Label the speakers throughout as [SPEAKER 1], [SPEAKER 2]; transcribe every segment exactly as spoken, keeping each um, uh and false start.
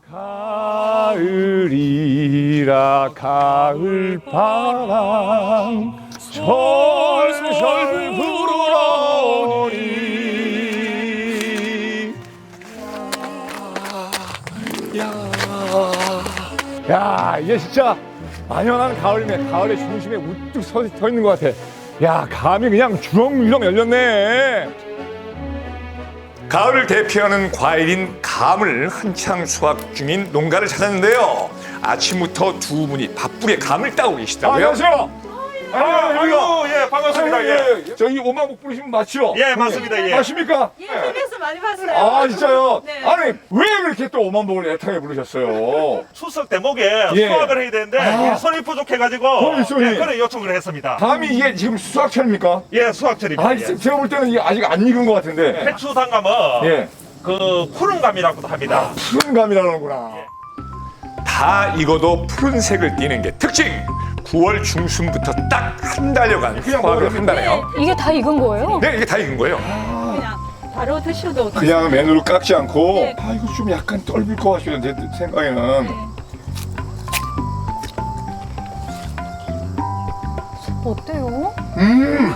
[SPEAKER 1] 가을이라 가을바람 솔솔 불어오니. 야, 이게 진짜 만연한 가을이네. 가을의 중심에 우뚝 서, 서 있는 것 같아. 야, 감이 그냥 주렁주렁 열렸네. 가을을 대표하는 과일인 감을 한창 수확 중인 농가를 찾았는데요. 아침부터 두 분이 바쁘게 감을 따고 계시다고요? 안녕하세요.
[SPEAKER 2] 아이고, 예, 반갑습니다. 예.
[SPEAKER 1] 저희 오마복 부르시면 맞죠?
[SPEAKER 2] 예, 맞습니다. 예.
[SPEAKER 1] 맞습니까?
[SPEAKER 3] 예, 티비에서 많이 봤어요.
[SPEAKER 1] 아, 진짜요?
[SPEAKER 3] 네.
[SPEAKER 1] 아니, 왜 그렇게 또 오만복을 애타게 부르셨어요?
[SPEAKER 2] 추석 대목에
[SPEAKER 1] 예.
[SPEAKER 2] 수확을 해야 되는데
[SPEAKER 1] 아.
[SPEAKER 2] 일손이 부족해가지고
[SPEAKER 1] 어, 일손이.
[SPEAKER 2] 예, 그래 요청을 했습니다.
[SPEAKER 1] 감이 이게 지금 수확철입니까?
[SPEAKER 2] 예, 수확철입니다.
[SPEAKER 1] 아,
[SPEAKER 2] 예.
[SPEAKER 1] 제가 볼 때는 이게 아직 안 익은 것 같은데.
[SPEAKER 2] 해추 단감은
[SPEAKER 1] 예.
[SPEAKER 2] 그 푸른감이라고도 합니다.
[SPEAKER 1] 푸른 감이라는구나. 다 익어도 푸른색을 띠는 게 특징. 구월 중순부터 딱 한 달여간 수확을 한다네요.
[SPEAKER 4] 이게 다 익은 거예요?
[SPEAKER 1] 네, 이게 다 익은 거예요.
[SPEAKER 3] 그냥 바로 드셔도
[SPEAKER 1] 그냥 맨으로 깎지 않고.
[SPEAKER 3] 네.
[SPEAKER 1] 아, 이거 좀 약간 떫을 것 같아요. 제 생각에는.
[SPEAKER 3] 네.
[SPEAKER 4] 어때요?
[SPEAKER 1] 음.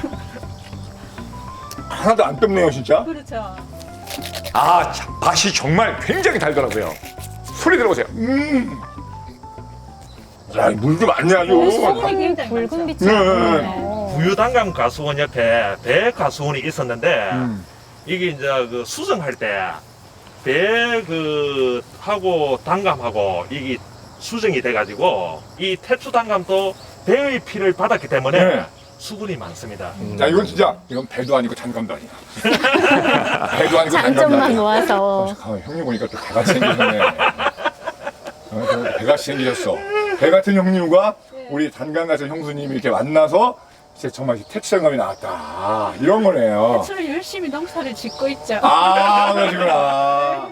[SPEAKER 1] 하나도 안 떫네요, 진짜.
[SPEAKER 3] 그렇죠.
[SPEAKER 1] 아, 참, 맛이 정말 굉장히 달더라고요. 소리 들어보세요. 음. 야, 물도 많네 아주.
[SPEAKER 4] 되게 붉은 빛이
[SPEAKER 1] 네.
[SPEAKER 4] 나네요.
[SPEAKER 2] 부유단감 가수원 옆에 배 가수원이 있었는데
[SPEAKER 1] 음.
[SPEAKER 2] 이게 이제 그 수정할 때 배 그 하고 단감하고 이게 수정이 돼가지고 이 태추 단감도 배의 피를 받았기 때문에
[SPEAKER 1] 네.
[SPEAKER 2] 수분이 많습니다.
[SPEAKER 1] 자, 이건 진짜 이건 배도 아니고 단감도 아니야. 배도 아니고 단감도
[SPEAKER 4] 장점만
[SPEAKER 1] 아니야.
[SPEAKER 4] 모아서.
[SPEAKER 1] 잠깐만, 형님 보니까 또 배가 생기셨네. 어, 저 배가 생기셨어. 배 같은 형님과 우리 단감 같은 형수님이 이렇게 만나서 이제 정말 태추단감이 나왔다. 이런 거네요.
[SPEAKER 3] 저를 열심히 농사를 짓고 있죠.
[SPEAKER 1] 아, 그러시구나.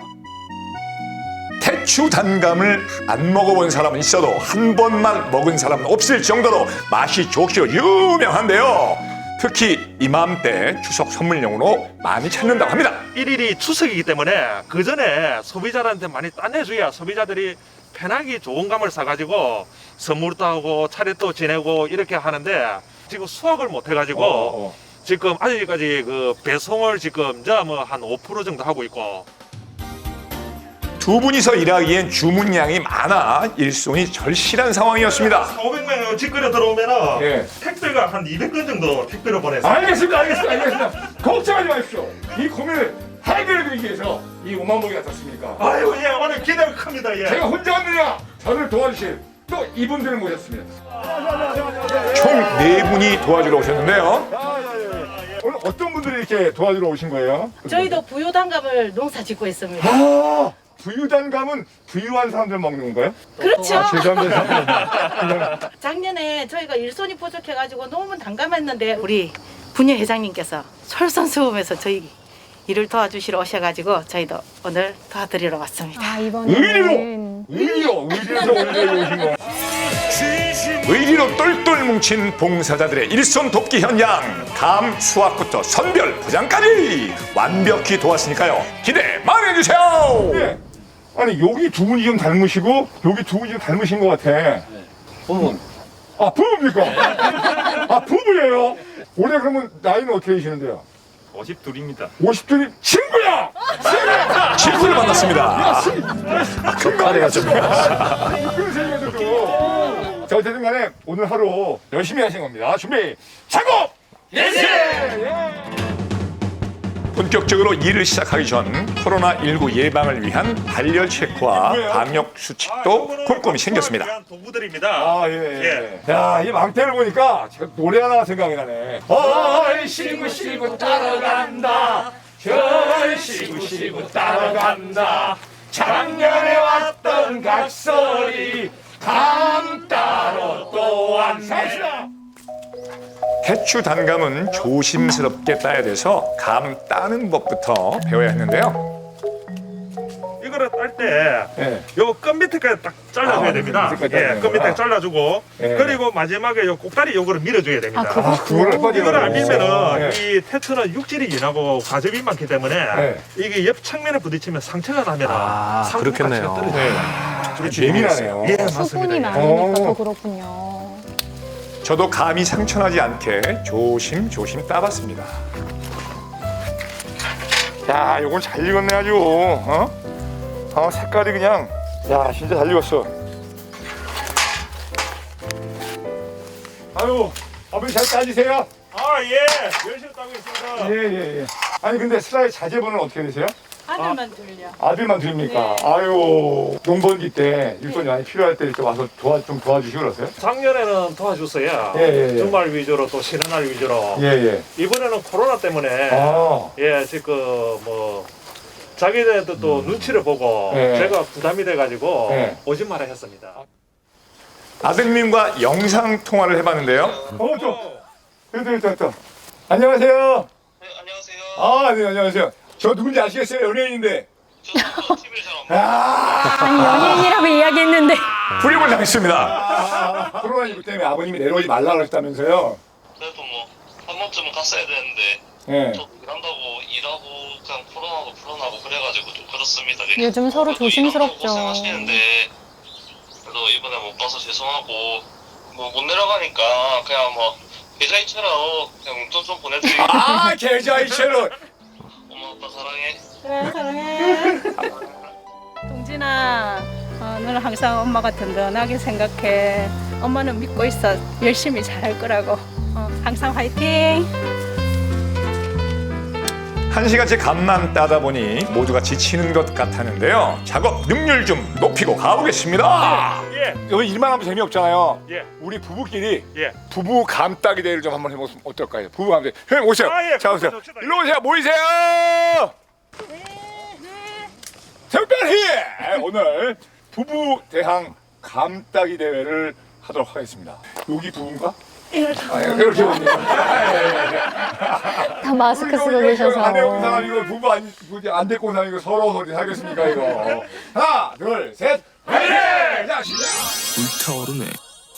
[SPEAKER 1] 태추 단감을 안 먹어본 사람은 있어도 한 번만 먹은 사람은 없을 정도로 맛이 좋기로 유명한데요. 특히 이맘때 추석 선물용으로 많이 찾는다고 합니다.
[SPEAKER 2] 일일이 추석이기 때문에 그 전에 소비자들한테 많이 따내줘야 소비자들이 편하게 좋은 감을 사가지고 선물도 하고 차례도 지내고 이렇게 하는데 지금 수확을 못 해가지고
[SPEAKER 1] 어, 어.
[SPEAKER 2] 지금 아직까지 그 배송을 지금 뭐한 오 퍼센트 정도 하고 있고.
[SPEAKER 1] 두 분이서 일하기엔 주문량이 많아 일손이 절실한 상황이었습니다.
[SPEAKER 2] 오백 명 직거래 들어오면은
[SPEAKER 1] 예.
[SPEAKER 2] 택배가 한 이백 건 정도 택배로 보내서.
[SPEAKER 1] 알겠습니다, 알겠습니다, 알겠습니다. 걱정하지 마십시오. 이 고민을 해결해드리기 위해서 이 오만복이 나섰습니까?
[SPEAKER 2] 아유, 예, 오늘 기대가 큽니다. 예.
[SPEAKER 1] 제가 혼자 왔느냐? 저를 도와주실 또 이분들을 모셨습니다. 총 네 분이 도와주러 오셨는데요. 오늘 어떤 분들이 이렇게 도와주러 오신 거예요?
[SPEAKER 3] 저희도 부유단감을 농사 짓고 있습니다.
[SPEAKER 1] 아, 부유단감은 부유한 사람들 먹는 건가요?
[SPEAKER 3] 그렇죠.
[SPEAKER 1] 아, 죄송합니다.
[SPEAKER 3] 작년에 저희가 일손이 부족해가지고 너무 난감했는데 우리 분녀 회장님께서 솔선수범해서 저희 일을 도와주시러 오셔가지고 저희도 오늘 도와드리러 왔습니다.
[SPEAKER 4] 아,
[SPEAKER 1] 의리로!
[SPEAKER 4] 이번에는
[SPEAKER 1] 의리로! 의리에서 의리로 오신 거예요. 의리로 똘똘 뭉친 봉사자들의 일손 돕기 현장. 감 수확부터 선별 포장까지 완벽히 도왔으니까요. 기대 많이 해주세요. 네. 아니, 여기 두 분이 좀 닮으시고 여기 두 분이 좀 닮으신 것 같아.
[SPEAKER 5] 부분
[SPEAKER 1] 아, 부부입니까? 아, 부부예요? 올해 그러면 나이는 어떻게 되시는데요?
[SPEAKER 5] 오십이입니다.
[SPEAKER 1] 오십 둘이 친구야! 친구를 만났습니다. 급하네요, 좀. 자, 어쨌든 간에 오늘 하루 열심히 하신 겁니다. 준비, 작업! 예! 본격적으로 일을 시작하기 전 코로나 일구 예방을 위한 발열 체크와 방역 수칙도 꼼꼼히 챙겼습니다.
[SPEAKER 2] 도구들입니다.
[SPEAKER 1] 아, 예, 예. 야, 이 망태를 보니까 제가 노래 하나 생각이 나네. 얼씨구 씨구 따라간다. 절씨구 씨구 따라간다. 작년에 왔던 각설이 감 따러 또 왔네. 태추 단감은 조심스럽게 따야 돼서 감 따는 법부터 배워야 했는데요.
[SPEAKER 2] 이거를 딸 때
[SPEAKER 1] 예.
[SPEAKER 2] 요 끝 밑에까지 딱 잘라줘야
[SPEAKER 1] 아,
[SPEAKER 2] 됩니다.
[SPEAKER 1] 끝 밑에까지
[SPEAKER 2] 예,
[SPEAKER 1] 자르는
[SPEAKER 2] 끝 밑에
[SPEAKER 1] 거구나.
[SPEAKER 2] 잘라주고
[SPEAKER 1] 예.
[SPEAKER 2] 그리고 마지막에 요 꼭다리 요거를 밀어줘야 됩니다.
[SPEAKER 4] 아, 그거
[SPEAKER 1] 아, 그거를 빨리
[SPEAKER 2] 이거를 안
[SPEAKER 1] 하라고.
[SPEAKER 2] 밀면은
[SPEAKER 1] 예.
[SPEAKER 2] 이 테트는 육질이 연하고 과즙이 많기 때문에
[SPEAKER 1] 네.
[SPEAKER 2] 이게 옆 측면에 부딪히면 상처가 나면
[SPEAKER 6] 아,
[SPEAKER 2] 상품
[SPEAKER 6] 그렇겠네요.
[SPEAKER 2] 가치가 떨어져요.
[SPEAKER 1] 좀 예민하네요.
[SPEAKER 2] 예,
[SPEAKER 4] 수분이
[SPEAKER 2] 맞습니다.
[SPEAKER 4] 많으니까
[SPEAKER 1] 오.
[SPEAKER 4] 더 그렇군요.
[SPEAKER 1] 저도 감이 상처나지 않게 조심조심 따봤습니다. 야, 요건 잘 익었네 아주. 어? 어, 색깔이 그냥 야, 진짜 잘 익었어. 아유, 아버지 잘 따지세요.
[SPEAKER 2] 아, 예. 열심히 따고 있습니다.
[SPEAKER 1] 예, 예, 예. 아니 근데 슬라의 자제분은 어떻게 되세요?
[SPEAKER 3] 아들만 들려.
[SPEAKER 1] 아들만 드립니까?
[SPEAKER 3] 네.
[SPEAKER 1] 아유, 농번기 때 일손이 많이 필요할 때 이렇게 와서 도와 좀 도와주시고 그러세요?
[SPEAKER 2] 작년에는 도와줬어요.
[SPEAKER 1] 예, 예, 예.
[SPEAKER 2] 주말 위주로 또 쉬는 날 위주로.
[SPEAKER 1] 예, 예.
[SPEAKER 2] 이번에는 코로나 때문에
[SPEAKER 1] 아,
[SPEAKER 2] 예, 지금 뭐 자기들도 또 눈치를 보고
[SPEAKER 1] 예.
[SPEAKER 2] 제가 부담이 돼가지고
[SPEAKER 1] 예.
[SPEAKER 2] 오지 말아 했습니다.
[SPEAKER 1] 아드님과 영상 통화를 해봤는데요. 어, 저, 됐다, 됐다, 됐다. 안녕하세요.
[SPEAKER 7] 네, 안녕하세요.
[SPEAKER 1] 아, 네, 안녕하세요. 저 누군지 아시겠어요? 연예인인데.
[SPEAKER 7] 저도 티비를 잘 안 봐요.
[SPEAKER 1] 아,
[SPEAKER 4] 아니, 연예인이라고 이야기했는데.
[SPEAKER 1] 불임을 당했습니다. 코로나십구 때문에 아버님이 내려오지 말라 그랬다면서요?
[SPEAKER 7] 그래도 뭐 한 번쯤은 갔어야 되는데
[SPEAKER 1] 예.
[SPEAKER 7] 저 일한다고 일하고 그냥 코로나도 불어나고 그래가지고 좀 그렇습니다. 그냥.
[SPEAKER 4] 요즘 서로
[SPEAKER 7] 그래도
[SPEAKER 4] 조심스럽죠.
[SPEAKER 7] 일한다고 고생하시는데 그래도 이번에 못 가서 죄송하고 뭐 못 내려가니까 그냥 뭐 계좌이체로 그냥 용돈 좀 보내드리고
[SPEAKER 1] 아, 계좌이체로.
[SPEAKER 7] 엄마 아빠 사랑해.
[SPEAKER 3] 그래 사랑해.
[SPEAKER 8] 동진아, 어, 너는 항상 엄마가 든든하게 생각해. 엄마는 믿고 있어. 열심히 잘할 거라고. 어, 항상 화이팅!
[SPEAKER 1] 한 시간째 감만 따다 보니 모두가 지치는 것 같았는데요. 작업 능률 좀 높이고 가보겠습니다.
[SPEAKER 2] 예,
[SPEAKER 1] 여기 일만 하면 재미없잖아요.
[SPEAKER 2] 예,
[SPEAKER 1] 우리 부부끼리
[SPEAKER 2] 예.
[SPEAKER 1] 부부 감따기 대회를 좀 한번 해보면 어떨까요? 부부 감따기. 형님 오세요.
[SPEAKER 2] 아, 예,
[SPEAKER 1] 자 오세요.
[SPEAKER 2] 좋습니다.
[SPEAKER 1] 일로 오세요. 모이세요. 특별히 오늘 부부 대항 감따기 대회를 하도록 하겠습니다. 여기 부부인가? 아, 예, 이렇게 옵니다.
[SPEAKER 4] 다 마스크 쓰고 계셔서.
[SPEAKER 1] 안에 온 사람 이거 부부 안, 부부 안 데리고 온 사람 이거 서로 서로 하겠습니까 이거? 하나, 둘, 셋, 화이팅! 자, 시작!
[SPEAKER 6] 불타오르네.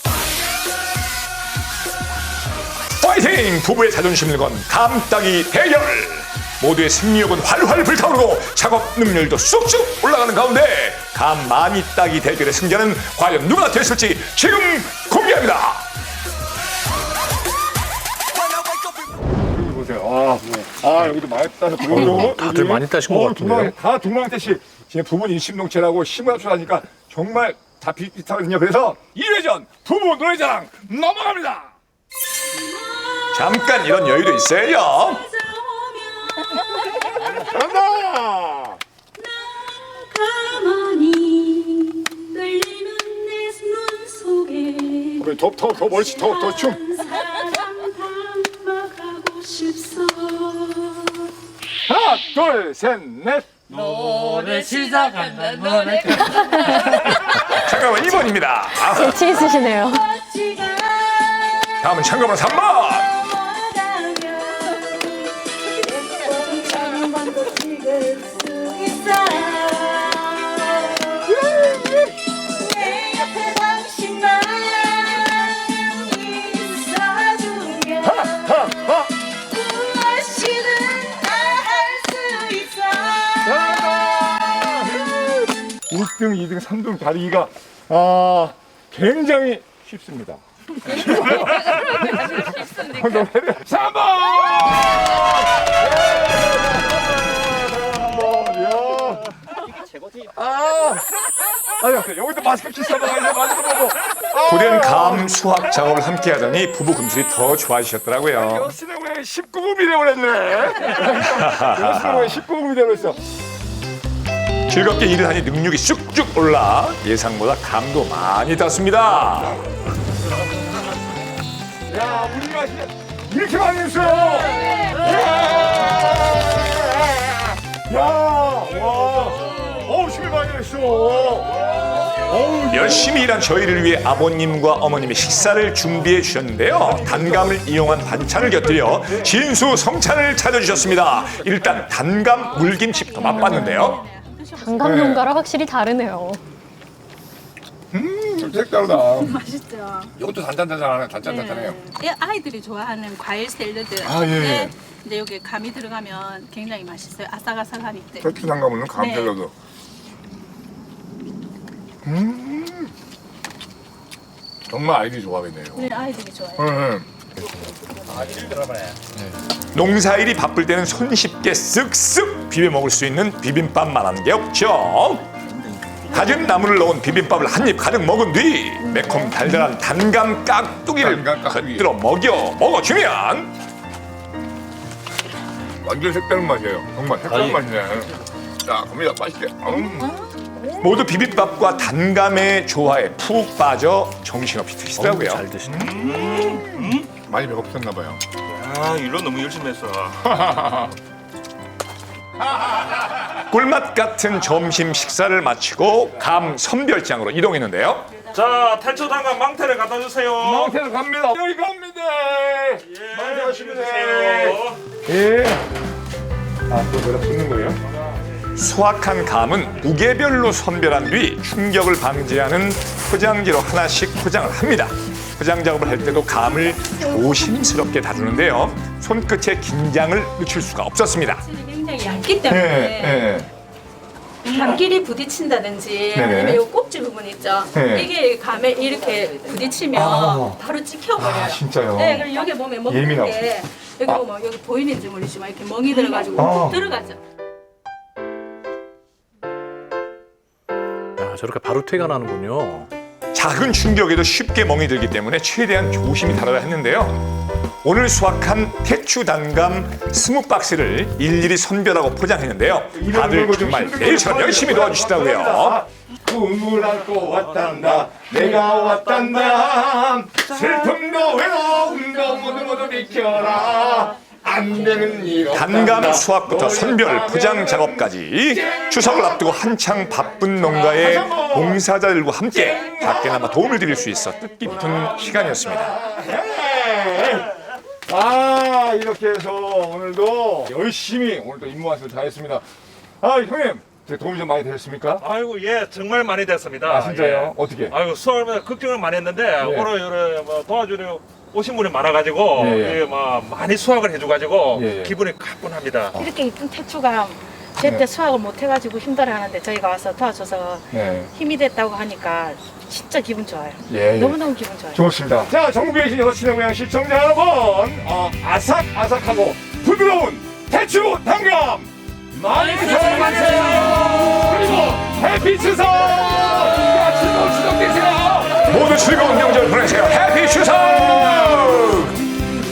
[SPEAKER 1] 파이팅! 부부의 자존심을 건 감따기 대결! 모두의 승리욕은 활활 불타오르고 작업 능률도 쑥쑥 올라가는 가운데 감 많이 따기 대결의 승자는 과연 누가 됐을지 지금 공개합니다! 여기 보세요. 아, 아 여기도 많이 따서
[SPEAKER 6] 어, 다들 많이 따신 것 같은데요?
[SPEAKER 1] 다 동방태식. 지금 부부는 일심동체라고 심부합쳐하니까 정말 다 비슷하거든요. 그래서 이 회전 부부 노래자랑 넘어갑니다! 잠깐 이런 여유도 있어요. 간다!
[SPEAKER 9] 가만히 떨리는 내 눈 속에
[SPEAKER 1] 우리 더, 더, 더 멀리, 더, 더 춤.
[SPEAKER 9] 사랑 담아가고 싶소.
[SPEAKER 1] 하나, 둘, 셋, 넷.
[SPEAKER 3] 노래 시작한다. 노래.
[SPEAKER 1] 잠깐만, 이 번입니다. 아,
[SPEAKER 4] 재치 있으시네요.
[SPEAKER 1] 다음은 참가번호 삼 번. 일 등, 이 등, 삼 등 다리기가 아, 굉장히 쉽습니다. 삼 번! 아, 아니, 여기도 마스크 키스 먹어야 마스크 보고. 고된 감 수학 작업을 함께 하더니 부부 금술이 더 좋아지셨더라고요. 여신의 왜 십구 금이 되어버렸네. 여신의 왜 십구 금이 되어버렸어. 즐겁게 일을 하니 능력이 쑥쑥 올라 예상보다 감도 많이 땄습니다. 야, 우리가 이렇게 많이 했어요. 야, 와, 어우, 힘이 많이 했어. 어우, 열심히 일한 저희를 위해 아버님과 어머님이 식사를 준비해 주셨는데요. 단감을 이용한 반찬을 곁들여 진수성찬을 차려주셨습니다. 일단 단감 물김치부터 맛봤는데요.
[SPEAKER 4] 단감
[SPEAKER 1] 네.
[SPEAKER 4] 농가랑 확실히 다르네요.
[SPEAKER 1] 음, 색다르다.
[SPEAKER 8] 맛있죠.
[SPEAKER 1] 이것도 단짠단짠하네. 단짠단짠해요.
[SPEAKER 8] 네. 아이들이 좋아하는 과일 샐러드.
[SPEAKER 1] 아, 예.
[SPEAKER 8] 네. 근데 여기 감이 들어가면 굉장히 맛있어요. 아삭아삭하니까.
[SPEAKER 1] 배추 담가 먹는 감
[SPEAKER 8] 네.
[SPEAKER 1] 샐러드. 음, 정말 아이들이 좋아하겠네요.
[SPEAKER 8] 우리 아이들이 좋아해요.
[SPEAKER 1] 네. 농사일이 바쁠 때는 손쉽게 쓱쓱 비벼 먹을 수 있는 비빔밥만한 게 없죠. 다진 나물을 넣은 비빔밥을 한 입 가득 먹은 뒤 매콤 달달한 단감 깍두기를
[SPEAKER 10] 단감 깍두기.
[SPEAKER 1] 곁들여 먹여 먹어주면
[SPEAKER 10] 완전 색다른 맛이에요. 정말 색다른 맛이네. 자, 갑니다. 맛있게. 음.
[SPEAKER 1] 모두 비빔밥과 단감의 조화에 푹 빠져 정신없이 드시더라고요.
[SPEAKER 6] 잘 드시네.
[SPEAKER 10] 많이 배고프셨나 봐요.
[SPEAKER 5] 아, 일로 너무 열심히 했어.
[SPEAKER 1] 꿀맛 같은 점심 식사를 마치고 감 선별장으로 이동했는데요.
[SPEAKER 2] 자, 태초 단감 망태를 갖다 주세요.
[SPEAKER 10] 망태로 갑니다. 여기 갑니다.
[SPEAKER 2] 예,
[SPEAKER 10] 망태 가시면
[SPEAKER 2] 주세요.
[SPEAKER 10] 예. 아, 또 내가 씹는 거예요?
[SPEAKER 1] 수확한 감은 무게별로 선별한 뒤 충격을 방지하는 포장지로 하나씩 포장을 합니다. 포장 작업을 할 때도 감을 조심스럽게 다루는데요. 손끝에 긴장을 늦출 수가 없었습니다.
[SPEAKER 8] 굉장히 얇기 때문에
[SPEAKER 10] 예, 예.
[SPEAKER 8] 감길이 부딪힌다든지
[SPEAKER 10] 네네.
[SPEAKER 8] 아니면 이 꼭지 부분 있죠.
[SPEAKER 10] 네.
[SPEAKER 8] 이게 감에 이렇게 부딪히면
[SPEAKER 10] 아.
[SPEAKER 8] 바로 찍혀버려요.
[SPEAKER 10] 아, 진짜요?
[SPEAKER 8] 네, 그리고 여기 보면 먹는
[SPEAKER 10] 예민하고.
[SPEAKER 8] 게 여기 보면 여기 보이는지 모르지만 이렇게 멍이 들어가지고
[SPEAKER 10] 아.
[SPEAKER 8] 훅 들어가죠.
[SPEAKER 6] 야, 저렇게 바로 퇴가 나는군요.
[SPEAKER 1] 작은 충격에도 쉽게 멍이 들기 때문에 최대한 조심히 다뤄야 했는데요. 오늘 수확한 태추 단감 스무 박스를 일일이 선별하고 포장했는데요. 다들 정말 매일처럼 열심히 도와주시더라고요.
[SPEAKER 10] 꿈을 안고 왔단다. 내가 왔단다. 슬픔도 외로움도 모두 모두 비켜라. 안 되는 일 없단다.
[SPEAKER 1] 단감 수확부터 선별, 포장 작업까지 추석을 앞두고 한창 바쁜 농가의 봉사자들과 함께 작게나마 도움을 드릴 수 있어 뜻깊은 시간이었습니다.
[SPEAKER 10] 아, 이렇게 해서 오늘도 열심히 오늘도 임무 완수를 다했습니다. 아, 형님, 제 도움이 좀 많이 되셨습니까?
[SPEAKER 2] 아이고, 예, 정말 많이 됐습니다.
[SPEAKER 10] 아, 진짜요?
[SPEAKER 2] 예.
[SPEAKER 10] 어떻게?
[SPEAKER 2] 아이고, 수학을 걱정을 많이 했는데
[SPEAKER 10] 예.
[SPEAKER 2] 오늘 여러 뭐 도와주려 오신 분이 많아가지고
[SPEAKER 10] 예, 예.
[SPEAKER 2] 예, 뭐 많이 수확을 해줘가지고
[SPEAKER 10] 예, 예.
[SPEAKER 2] 기분이 가뿐합니다.
[SPEAKER 3] 이렇게 이쁜 태초가 제때
[SPEAKER 10] 네.
[SPEAKER 3] 수확을 못 해가지고 힘들어하는데 저희가 와서 도와줘서
[SPEAKER 10] 네.
[SPEAKER 3] 힘이 됐다고 하니까 진짜 기분 좋아요.
[SPEAKER 10] 예, 예.
[SPEAKER 3] 너무너무 기분 좋아요.
[SPEAKER 10] 좋습니다. 자, 전국에 계신 여섯 시내 고향 시청자 여러분, 어, 아삭아삭하고 부드러운 태추 단감 많이 사랑하세요. 그리고 해피 추석! 즐거운 추석 되세요.
[SPEAKER 1] 모두 즐거운 명절 보내세요. 해피 추석!